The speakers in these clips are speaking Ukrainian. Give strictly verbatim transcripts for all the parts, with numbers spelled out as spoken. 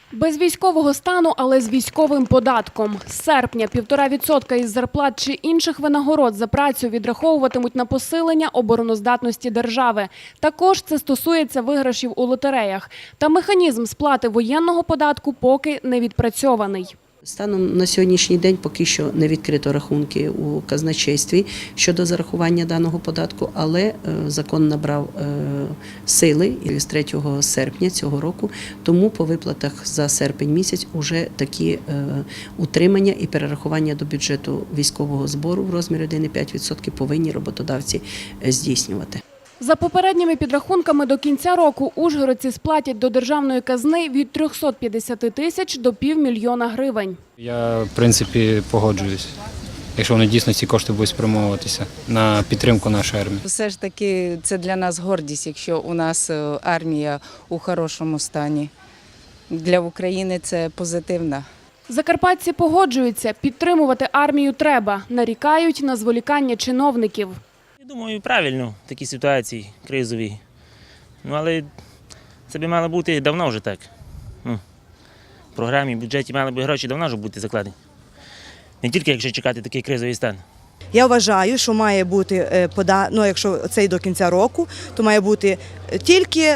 Без військового стану, але з військовим податком. З серпня півтора відсотка із зарплат чи інших винагород за працю відраховуватимуть на посилення обороноздатності держави. Також це стосується виграшів у лотереях. Та механізм сплати воєнного податку поки не відпрацьований. Станом на сьогоднішній день поки що не відкрито рахунки у казначействі щодо зарахування даного податку, але закон набрав сили з третього серпня цього року, тому по виплатах за серпень місяць уже такі утримання і перерахування до бюджету військового збору в розмірі один цілих п'ять десятих відсотка повинні роботодавці здійснювати. За попередніми підрахунками, до кінця року ужгородці сплатять до державної казни від трьохсот п'ятдесят тисяч до півмільйона гривень. Я, в принципі, погоджуюсь, якщо вони дійсно ці кошти будуть спрямовуватися на підтримку нашої армії. Все ж таки це для нас гордість, якщо у нас армія у хорошому стані. Для України це позитивно. Закарпатці погоджуються, підтримувати армію треба, нарікають на зволікання чиновників. Я думаю, правильно в такій ситуації кризовій. Ну, але це б мало бути давно вже так. Ну, в програмі, в бюджеті мали б гроші давно вже бути закладені. Не тільки якщо чекати такий кризовий стан. Я вважаю, що має бути, ну, якщо це і до кінця року, то має бути тільки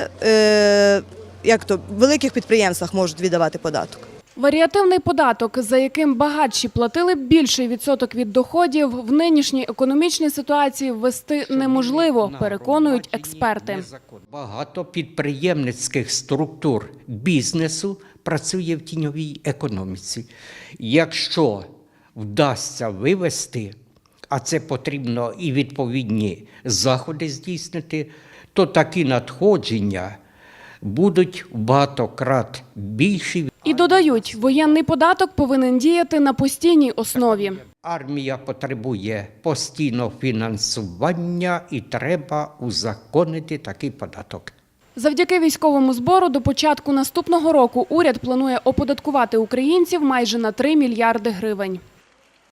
як то, в великих підприємствах можуть віддавати податок. Варіативний податок, за яким багатші платили б більший відсоток від доходів, в нинішній економічній ситуації ввести неможливо, переконують експерти. Багато підприємницьких структур бізнесу працює в тіньовій економіці. Якщо вдасться вивести, а це потрібно і відповідні заходи здійснити, то такі надходження будуть в багатократ більші. І додають, воєнний податок повинен діяти на постійній основі. Армія потребує постійного фінансування і треба узаконити такий податок. Завдяки військовому збору до початку наступного року уряд планує оподаткувати українців майже на три мільярди гривень.